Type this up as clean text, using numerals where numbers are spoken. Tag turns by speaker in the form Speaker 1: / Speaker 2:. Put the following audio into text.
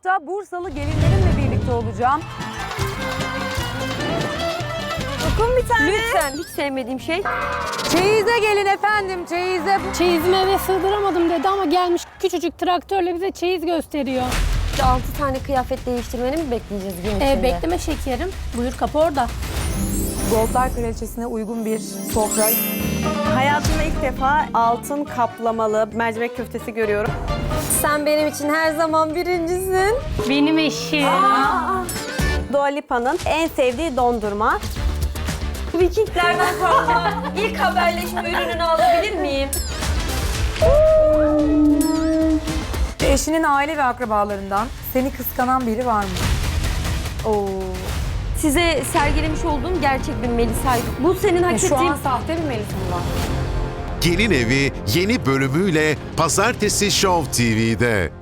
Speaker 1: hafta Bursalı gelinlerimle birlikte olacağım.
Speaker 2: Dokun bir tane.
Speaker 3: Lütfen, hiç sevmediğim şey.
Speaker 1: Çeyize gelin efendim, çeyize.
Speaker 4: Çeyizimi eve sığdıramadım dedi ama gelmiş küçücük traktörle bize çeyiz gösteriyor.
Speaker 3: 6 tane kıyafet değiştirmeni mi bekleyeceğiz gün içinde?
Speaker 4: Bekleme şekerim. Buyur kapı orada.
Speaker 1: Goldlar Kraliçesi'ne uygun bir sofra.
Speaker 2: Hayatımda ilk defa altın kaplamalı mercimek köftesi görüyorum.
Speaker 3: Sen benim için her zaman birincisin.
Speaker 4: Benim eşim.
Speaker 2: Dua Lipa'nın en sevdiği dondurma.
Speaker 3: Vikinglerden kalma. İlk haberleşme ürününü alabilir miyim?
Speaker 1: Eşinin aile ve akrabalarından seni kıskanan biri var mı?
Speaker 3: Oo. Size sergilemiş olduğum gerçek bir Melisa'ydı. Bu senin hak
Speaker 1: Şu
Speaker 3: ettiğin...
Speaker 1: an sahte bir Melisa mı var?
Speaker 5: Gelin Evi yeni bölümüyle Pazartesi Show TV'de.